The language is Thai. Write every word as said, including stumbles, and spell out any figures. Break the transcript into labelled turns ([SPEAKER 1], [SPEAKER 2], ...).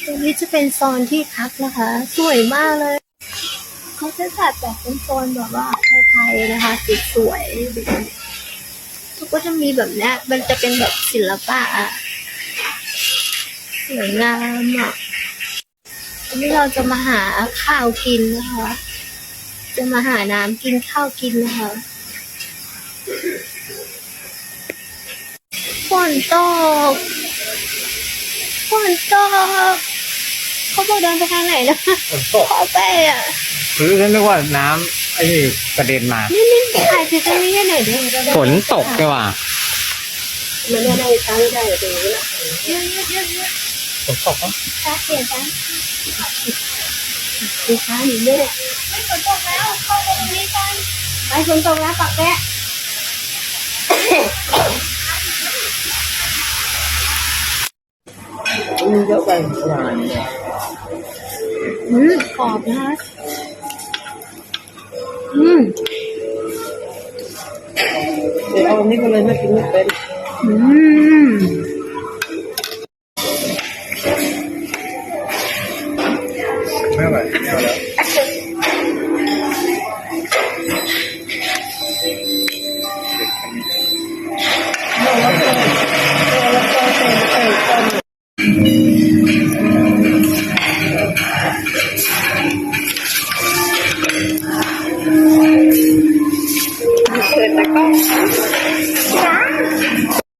[SPEAKER 1] ตรงนี้จะเป็นโซนที่พักนะคะสวยมากเลยเขาจะจัดแบบเป็นโซนแบบว่าไทยๆนะคะสวยๆเขาก็จะมีแบบเนี้ยมันจะเป็นแบบศิลปะอะสวยงามอ่ะวันนี้เราจะมาหาข้าวกินนะคะจะมาหาน้ำกินข้าวกินนะคะฝนตกฝนตกเขาบอกเดินไปทางไหนนะ
[SPEAKER 2] ฝนตก
[SPEAKER 1] ขอไปอ่ะ
[SPEAKER 2] หรือฉันนึกว่าน้ำไอ้นี่กระเด็นมา
[SPEAKER 1] นี่นี่ถ่ายไปตรงนี้หน่อยดิ
[SPEAKER 2] ฝนตกใช่ป่ะ
[SPEAKER 1] มันไม่ได้ตั้งได้ตรงนี้ละเยอะเยอะเยอะเยอะ
[SPEAKER 2] ฝนตกอ่ะ
[SPEAKER 1] ตาเปลี่ยนกันดูค้าอยู่เนี่ยไม่ฝนตกแล้วเข้าไปตรงนี้กันไปฝนตกแล้วปักแกะ
[SPEAKER 2] มีเยอะไปประมาณ
[SPEAKER 1] อืมกรอบนะคะอืม
[SPEAKER 2] เดี๋ยวเอาอันนี้ก็เลยไม่กินไม่เป็น
[SPEAKER 1] อืม